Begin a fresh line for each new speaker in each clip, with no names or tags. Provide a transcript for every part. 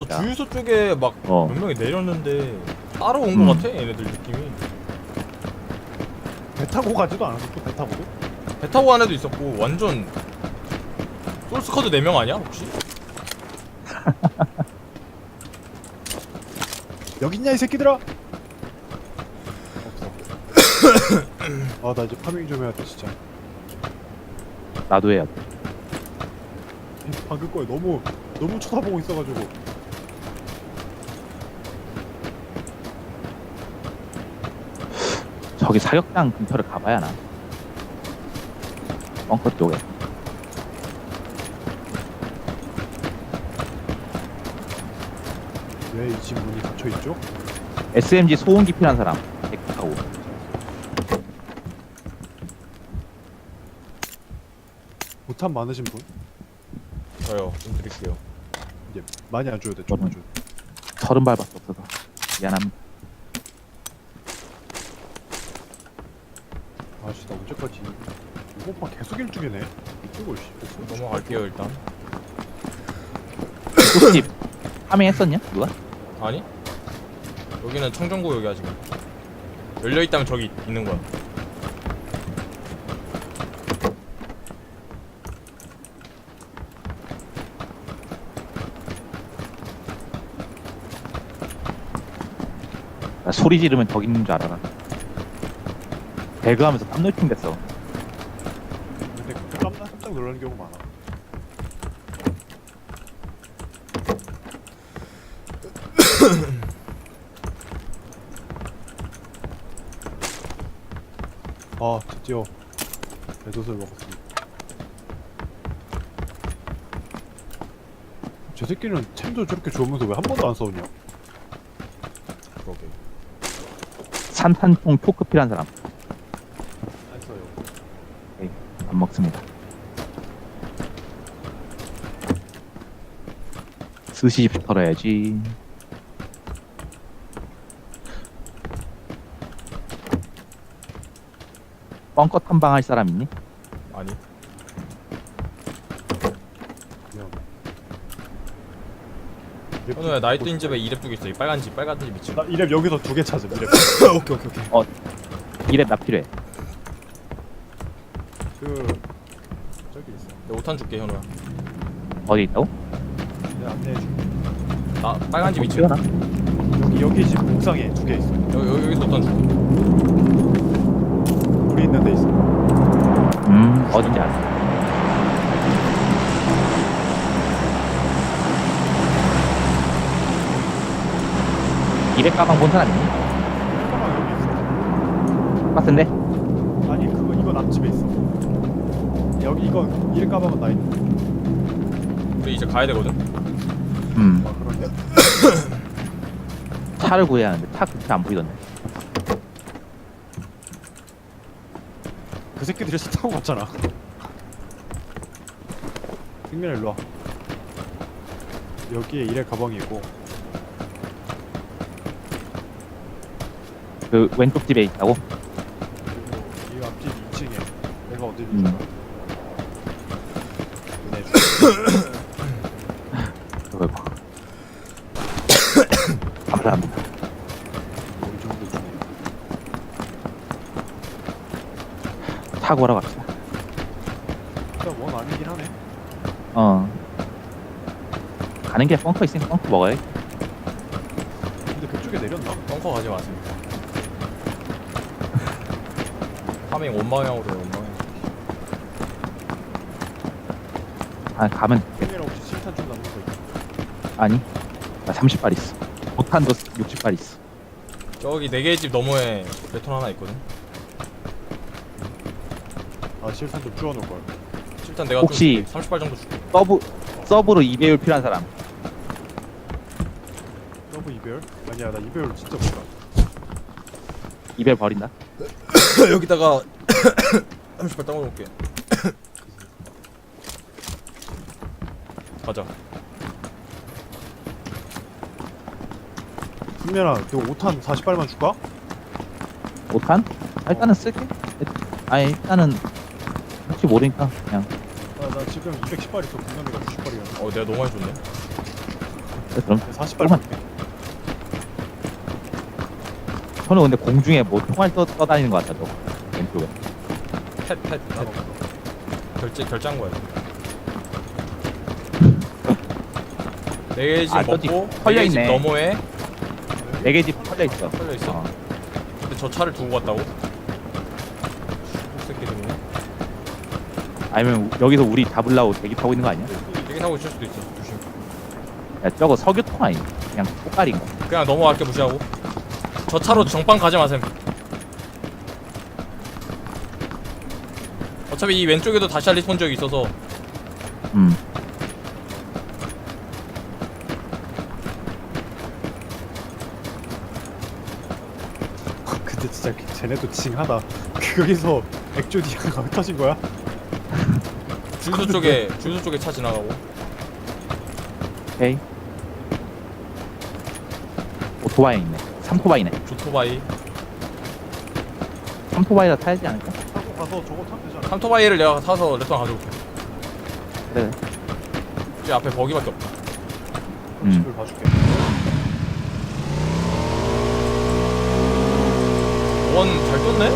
진짜.
주유소 쪽에 막 몇 명이 내렸는데 따로 온 거 같아 얘네들 느낌이.
배 타고 가지도 않았어 또 배 타고도?
배 타고 간 애도 있었고 완전 솔스커드 4명 아니야 혹시?
여기 있냐 이 새끼들아? 없어. 아 나 이제 파밍 좀 해야 돼 진짜.
나도 해야 돼.
방금 거에 너무 쳐다보고 있어가지고.
저기 사격장 근처를 가봐야 하나. 벙커 쪽에.
왜 이 집 문이 닫혀 있죠?
SMG 소음기 필요한 사람. 100하고.
보탄 많으신 분?
저요 좀 드릴게요.
이제 많이 안 줘도 돼. 좀만 줘.
30발밖에 없어서. 미안합니다.
아씨 나 언제까지 이거 오빠 계속 일중이네. 이쪽을 씨.
넘어갈게요 일단.
소집 파밍했었냐? 누가?
아니? 여기는 청정구역이야 지금. 열려있다면 저기 있는 거야.
나 소리 지르면 저기 있는 줄 알아라. 배그하면서 땀놀팅 됐어.
근데 그때 깜짝 놀라는 경우 많아. 아 드디어 배도을 먹었습니다. 저 새끼는 템도 저렇게 좋으면서 왜 한 번도 안 싸우냐?
그러게.
산탄총 토크 필요한 사람.
안 써요.
안 먹습니다. 스시집 털어야지. 벙커 탐방할 사람 있니?
아니.
미안.
현우야 나이트 인집에 2렙 두개 있어. 이 빨간 집 미친.
나 이랩 여기서 2개 찾음. 이랩.
오케이.
이랩 나 필요해.
그 저기 있어.
내가 5탄 줄게 현우야.
어디 있다고?
내가 안내해줄게.
나 빨간 집 2층.
나
여기 집 옥상에 2개 있어.
여기서 5탄 줄게.
우리 있는 데 있어.
어딘지 알아. 이랩 가방 본 사람 있니?
가방 여기 있어.
똑같은데?
아니 그거 이건 앞집에 있어. 여기 이건 이랩 가방은 나 있는.
우리 이제 가야 되거든.
아 그런데?
차를 구해야 하는데 차 근처 안 보이던데.
그 새끼들이 차 타고 갔잖아. 승민아 일로 와. 여기에 이랩 가방이 있고.
그 왼쪽 집에 있다고?
그리고 이 앞집 2층에 내가 어디
음.
있는 줄 알아?
그걸 봐. 감사합니다.
이 정도 주네.
차 구하러 갑시다.
일단 원 아니긴 하네.
가는 게 벙커 있으니까 벙커 먹어야지.
근데 그쪽에 내렸나?
벙커 가지 마세요. 파밍 원방향으로 해 원방향.
아, 가면 돼.
승민아 혹시 실탄 좀 남는 거 있어?
아니, 나 30발 있어. 보탄도 60발 있어.
저기 4개의 집 너머에 베톤 하나 있거든.
아 실탄 좀 주워놓을 걸.
일단 내가
혹시-
좀 30발 정도 줄게.
서브로 2배율 필요한 사람.
서브 이별? 아니야 나 이별 진짜 몰라.
2배율 버린다.
여기다가 30발 땅으로 놓을게. 가자.
승민아 그 5탄 40발만 줄까?
5탄? 일단은 쓸게. 아니, 일단은 혹시 모르니까 그냥.
나 지금 210발 있어. 분남이가 90발이야.
내가 너무 많이 줬네.
그럼
40발
조금만.
볼게.
저는 근데 공중에 뭐 총알 떠다니는 것 같다 저 왼쪽에.
펫
난 없어.
결제한 거야. 내 집
아, 저기
먹고
털려
내 집
있네.
너머에
4개 집 털려 있어.
털려 있어?
어.
근데 저 차를 두고 갔다고? 새끼들이네.
아니면 여기서 우리 잡으려고 대기 타고 있는 거 아니야?
여기 타고 있을 수도 있어. 조심.
야 저거 석유통 아니야? 그냥 꽃가리인 거.
그냥 넘어갈게 무시하고. 저 차로 정빵 가지 마셈. 어차피 이 왼쪽에도 다시 리스폰 지역이 있어서
음.
근데 진짜 쟤네도 징하다. 거기서 액조디아가 흩어진 거야?
주유소 쪽에 차 지나가고.
오케이. 오토바이 있네. 3토바이네.
조토바이.
3토바이라 타야지 않을까?
타고 가서 저거 타면 되잖아.
삼토바이를 내가 사서 레스토랑 가져올게.
그래.
이 앞에 버기밖에 없다.
집을 봐줄게.
원 잘 떴네?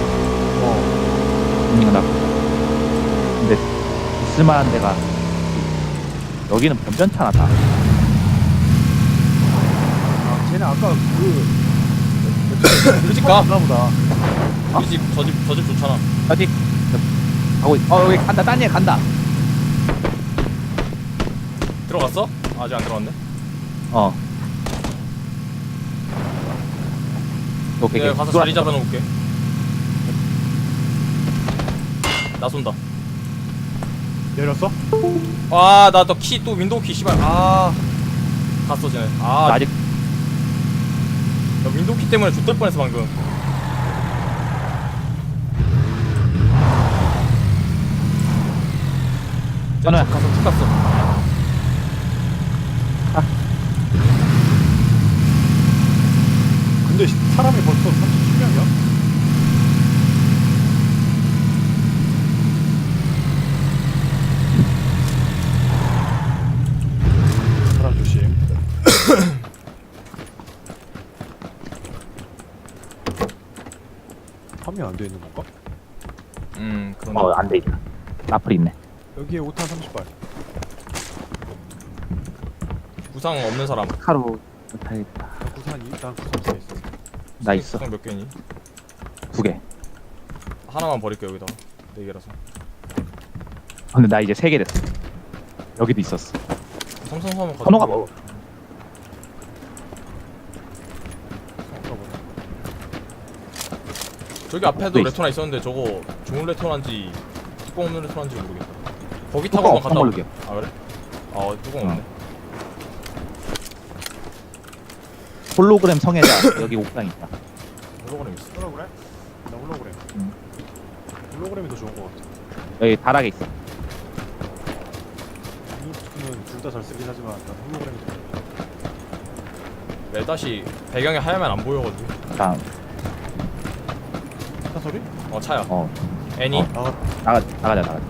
나. 근데 있을만한 데가 여기는 변변찮아 다.
아, 쟤네 아까
우리 집 가.
나 보다.
우리 집 저 집 좋잖아.
어디? 가고 여기 간다. 딴 애 간다.
들어갔어? 아직 안 들어갔네.
어. 오케이.
내가 가서 자리 잡아놓을게. 나 쏜다.
내렸어?
아, 나 너 키 또 윈도우 키 씨발. 아, 갔어 쟤네.
나
아,
아직
나 윈도우 키 때문에 좆될 뻔했어 방금.
전화야.
가서 툭 갔어.
근데 사람이 벌써 37명이야? 사람 조심. 판매 안 돼 있는 건가?
그런데.
안 돼 있다. 나플 있네.
여기에 5탄 30발.
부상 없는 사람.
카로 타야겠다.
난 구산 있어.
나 있어.
부상 몇 개니?
2개.
하나만 버릴게 여기다. 4개라서.
근데 나 이제 3개 됐어. 여기도 있었어.
삼성사면 가져.
선호가 뭐?
저기 앞에도
또 있어.
레토나 있었는데 저거 좋은 레토나인지 뚜껑 없는 레토나인지 모르겠다. 거기
뚜껑
타고만
없어,
갔다
모르게.
아 그래? 아 뚜껑 없네.
홀로그램 성애자 여기 옥상 있다.
홀로그램 있어.
홀로그램? 나 홀로그램.
응.
홀로그램이 더 좋은 것 같아.
여기 다락에 있어.
블루투스는 둘 다 잘 쓰긴 하지만 난 홀로그램이 더 좋아.
매다시 배경이 하얀면 안 보여가지고.
자,
차 소리?
차야.
어,
애니.
어.
나가.
나가자.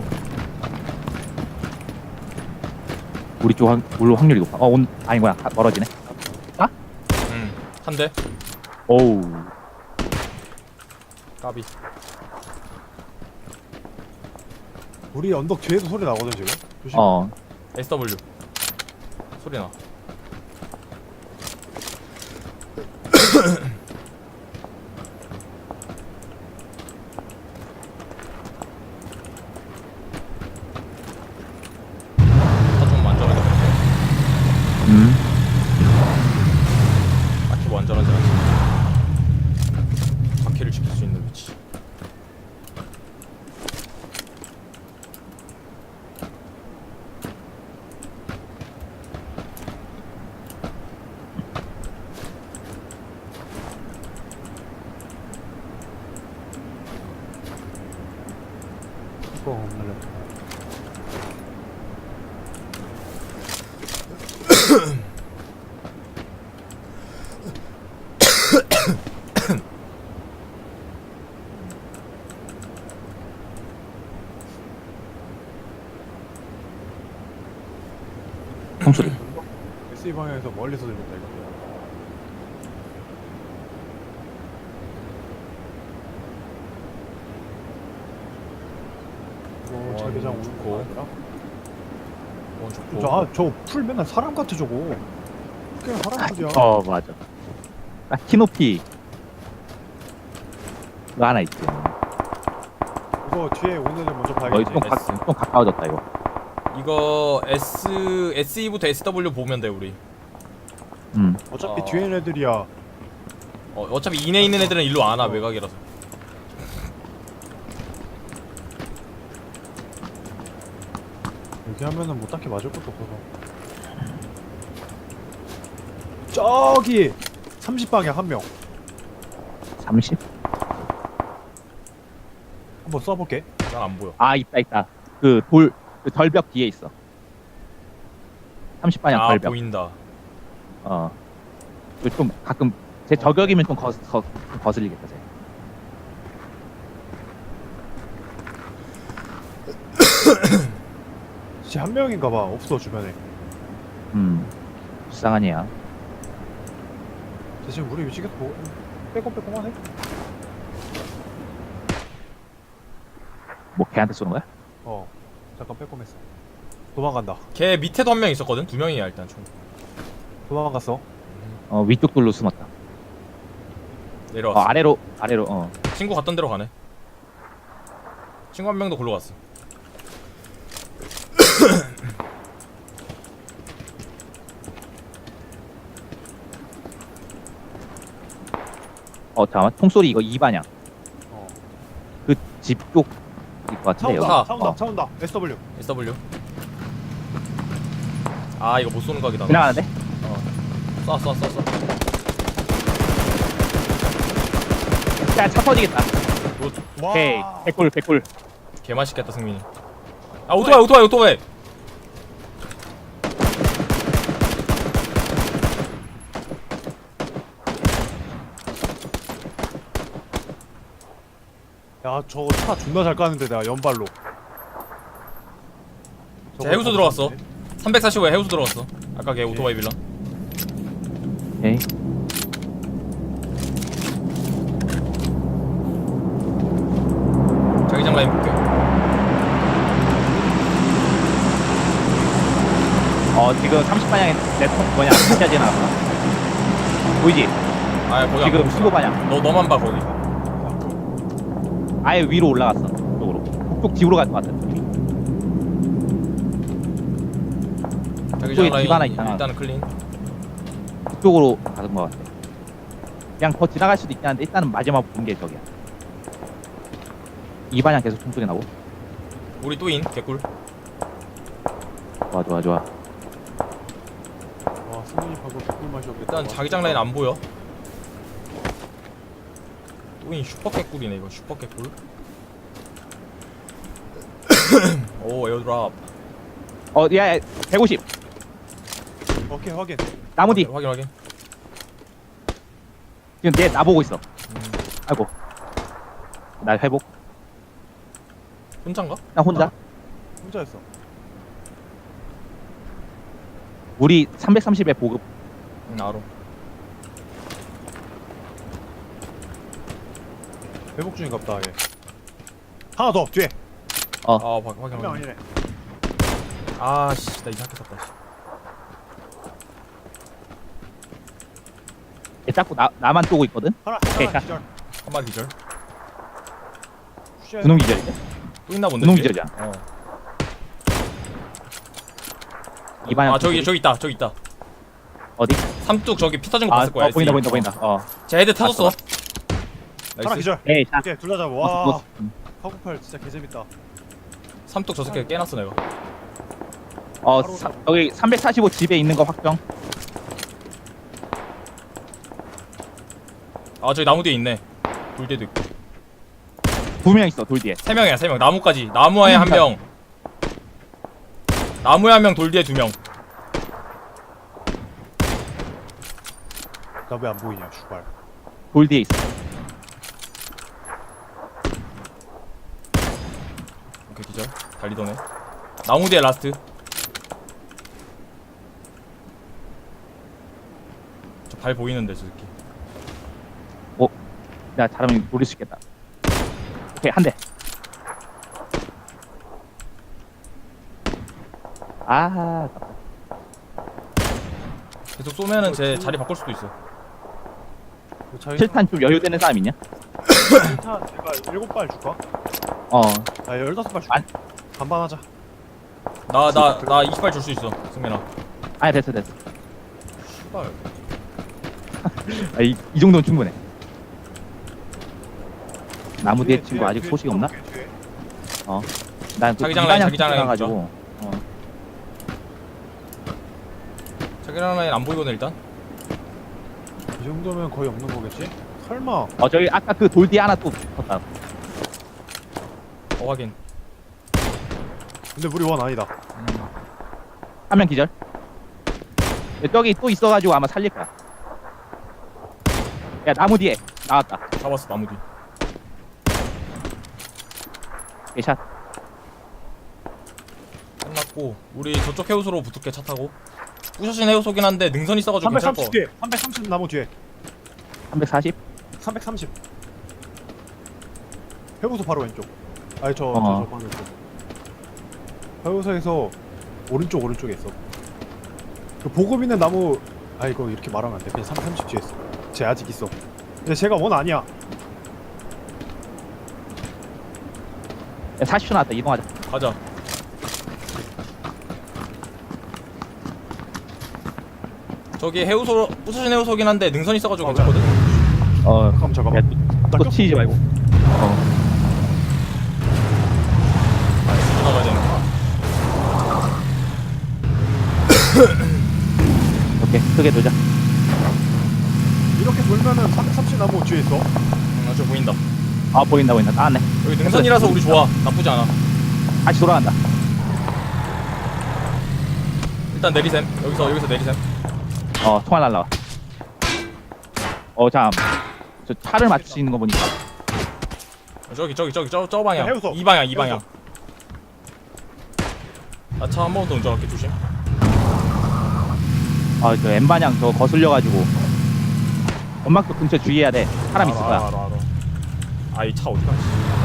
우리 쪽 확률이 높아. 아니구나. 멀어지네.
한 대.
오우.
까비.
우리 언덕 뒤에도 소리 나거든 지금. 조심.
SW. 소리 나. 차좀 안전하게. 딱히 뭐 안전하지 않지. 바퀴를 지킬 수 있는 위치.
뚜껑 없는 레토.
총소리.
SE SD 방향에서 멀리서 들린다 이거. 오, 자기장 오는
좋고.
거 아니라?
좋고.
저 풀 맨날 사람 같아 저거. 그냥 사람 풀이야.
맞아. 딱 키높이 그거 하나 있지.
이거 뒤에 오는 애들 먼저
거의
봐야겠지.
좀 가까워졌다 이거.
이거 SE부터 SW 보면 돼 우리.
어차피 뒤에 있는 애들이야.
어차피 인에 있는 애들은 일로 안 와. 외곽이라서.
여기 하면은 뭐 딱히 맞을 것도 없어서. 저기 30방향 한 명.
30?
한번 쏴볼게.
난 안 보여.
아 있다. 그 절벽 뒤에 있어. 30방향
아
절벽.
보인다.
좀 가끔 제 저격이면 좀 거슬리겠다 쟤.
진짜 한 명인가봐. 없어 주변에.
불쌍한 애야.
쟤 지금 우리 위치 계속 빼꼼빼꼼하네.
뭐 걔한테 쏘는 거야?
잠깐 빼꼼했어. 도망간다.
걔 밑에도 한 명 있었거든. 2명이야 일단 총.
도망갔어.
위쪽 돌로 숨었다.
내려왔어.
아래로.
친구 갔던 데로 가네. 친구 한 명도 골로 갔어.
잠깐만. 총소리 이거 2반향. 그 집 쪽일 것 같은데 여기.
차 온다. SW.
SW. 아 이거 못 쏘는 각이다.
지나가는데?
쏴.
야, 차 터지겠다.
와.
오케이. 백골.
개 맛있겠다 승민이. 아 오토바이.
야, 저거 차 존나 잘 까는데 내가 연발로.
자, 해우소 들어갔어. 345에 해우소 들어갔어. 아까 걔 오토바이 빌런.
오케이.
자기장 라인 볼게.
지금 30방향에 내통 뭐냐? 차지 나왔어. 보이지?
아 거기
지금
안 보고 있어.
15방향.
너만 봐 거기.
아예 위로 올라갔어. 쪽으로. 북쪽 집으로 갈 것 같아.
자기장
집 하나
라인
있잖아.
일단은 클린.
그쪽으로 가는 것 같아. 그냥 더 지나갈 수도 있긴 한데 일단은 마지막 본 게 저기야. 2반향 계속 총소리 나고.
우리 또인 개꿀.
좋아.
와, 승민이 방금 개꿀 마셨겠다.
일단 자기장 라인 안 보여. 또인 슈퍼 개꿀이네 이거. 슈퍼 개꿀. 오 에어드랍.
야 150.
오케이, 확인.
나무 뒤.
확인.
지금 나보고 있어. 아이고. 나 회복.
혼자인가?
나 혼자.
혼자였어.
우리 330에 보급.
알아.
회복 중인갑다, 얘. 하나 더, 뒤에.
확인.
한 명 아니네.
아씨 나 이상하게 샀다. 씨.
얘 자꾸 나만 쏘고 있거든.
하나
오케이, 자.
기절.
한 마리 기절.
쉣.
분홍 기절인데?
또 있나 본데.
분홍
뒤에?
기절이야. 2반향.
아 저기 있다.
어디?
삼뚝 저기 피 터진 거 봤을 거야.
보인다.
SE. 제 헤드 터졌어.
하나
나이스.
기절.
에이, 자.
오케이, 둘 다 잡아. 와, 카구팔 진짜 개재밌다.
삼뚝 저 새끼 깨놨어 내가.
여기 345 집에 있는 거 확정.
아 저기 나무 뒤에 있네. 돌대도 있고.
2명 있어 돌 뒤에.
3명이야 3명. 나무까지. 나무에 한 명. 나무에 한 명, 돌 뒤에 2명.
나 왜 안 보이냐, 슈발.
돌 뒤에 있어.
오케이 기절. 달리더네. 나무 뒤에 라스트. 저 발 보이는데 저 새끼.
내가 잘하면 노릴 수 있겠다. 오케이, 한 대. 아,
계속 쏘면은 제 자리 바꿀 수도 있어.
실탄 좀 여유되는 사람 있냐?
실탄 제가 7발 줄까?
어,
아 15발 줄까?
안-
반반하자.
나 20발 줄 수 있어, 승민아.
아니 됐어.
씨발.
아, 이 정도는 충분해. 나무 뒤에 친구 아직 소식 없나?
뒤에.
난
자기장 라인, 자기장 라인
가지고.
자기랑 라인 안 보이거든 일단.
이 정도면 거의 없는 거겠지? 설마.
저기 아까 그 돌 뒤에 하나 또 붙었다.
확인.
근데 우리 원 아니다.
한 명 기절. 저기 또 있어가지고 아마 살릴 거야. 야, 나무 뒤에 나왔다.
잡았어 나무 뒤.
개샷.
끝났고 우리 저쪽 해우소로 붙을게 차 타고. 부셔진 해우소긴 한데 능선 있어가지고 괜찮을 거.
330 뒤에. 330 나무 뒤에.
340.
330. 해우소 바로 왼쪽. 아니 저 바로 왼쪽. 해우소에서 오른쪽에 있어. 그 보급 있는 나무. 아 이거 이렇게 말하면 안 돼. 그냥 330 뒤에 있어. 쟤 아직 있어. 근데 쟤가 원 아니야.
야, 40초 나왔다. 이동하자.
가자. 저기 해우소 부서진 해우소긴 한데 능선 있어가지고 괜찮거든.
잠깐만.
야,
나
또 치지 말고.
나가야 되는 거야.
오케이, 크게 돌자.
이렇게 돌면은 330 나무 뒤에 있어.
저 보인다.
아, 보인다. 나왔네.
여기 능선이라서 우리 좋아. 나쁘지 않아.
다시 돌아간다.
일단 내리셈. 여기서 내리셈.
총알 날라와. 잠. 저 차를 맞출 수 있는 거 보니까.
저기 저 방향.
해우소.
이 방향. 나 차 한 번 더 운전할게 조심.
저 N방향 저 거슬려가지고. 연막도 근처 주의해야 돼. 사람 있을 거야.
알아. 아 이 차 어디 갔지?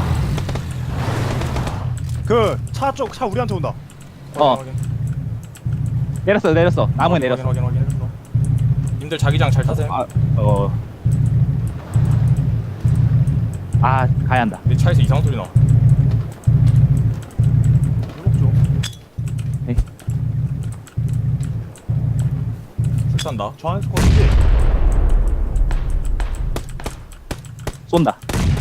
그 차 우리한테 온다.
확인.
내렸어. 나무에 내렸어.
확인. 님들 자기장 잘 타세요.
가야 한다.
내 차에서 이상한 소리 나.
이목 좀.
출산다.
저 안에 스쿼드지.
쏜다.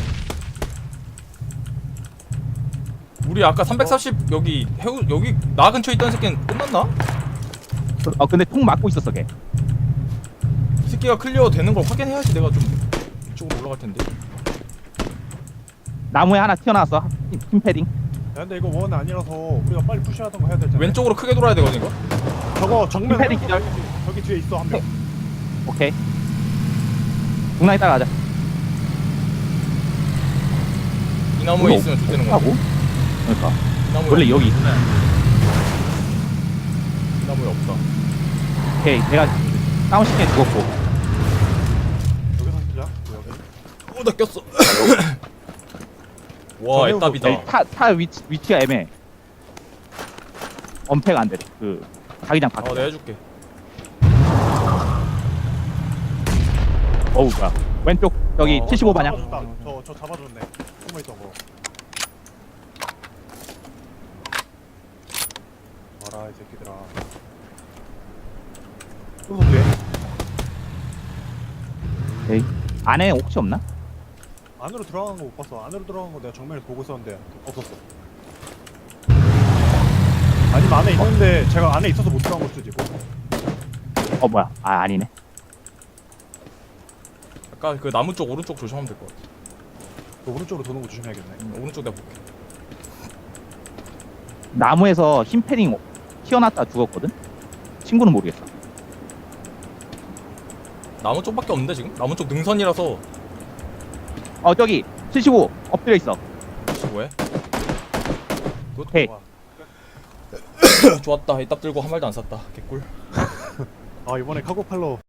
우리 아까 340 여기 여기 나 근처에 있던 새끼는 끝났나?
근데 통 맞고 있었어, 걔.
이 새끼가 클리어 되는 걸 확인해야지 내가 좀 이쪽으로 올라갈 텐데.
나무에 하나 튀어나왔어. 힘 패딩.
야, 근데 이거 원 아니라서 우리가 빨리 푸시하던 거 해야 될 텐데.
왼쪽으로 크게 돌아야 되거든 이거.
저거 정면
패딩 기절.
저기 뒤에 있어 한 명.
오케이. 중랑이 따라가자.
이 나무에 있으면 좋다는
하고.
건데.
그러니까.
이 나무에
원래 여기 있어.
이 나무에 없다.
오케이. 내가 다운시키게 죽었고.
여기서 쓰자. 여기.
나 꼈어. 와
저
애답이다.
여기 타 위치가 애매해. 엄폐가 안 돼. 그 자기장 밖에.
내가 해줄게.
어우, 뭐야. 왼쪽 저기 75반향.
저 잡아줬네. 숨어 있던 거. 와라 이 새끼들아. 또 뒤에.
오케이. 안에 혹시 없나?
안으로 들어간 거 못 봤어. 안으로 들어간 거 내가 정면에서 보고 있었는데 없었어. 아니면 안에 있는데 제가 안에 있어서 못 들어간 걸 수도 있고.
뭐야. 아니네.
아까 그 나무 쪽 오른쪽 조심하면 될 것 같아.
그 오른쪽으로 도는 거 조심해야겠네.
오른쪽 내가 볼게.
나무에서 힘 패딩 튀어났다 죽었거든? 친구는 모르겠어.
나무 쪽밖에 없는데 지금? 나무 쪽 능선이라서.
저기 75 엎드려 있어.
뭐해?
오케이.
와.
좋았다. 이따 들고 한 말도 안 샀다. 개꿀.
아 이번에 카고팔로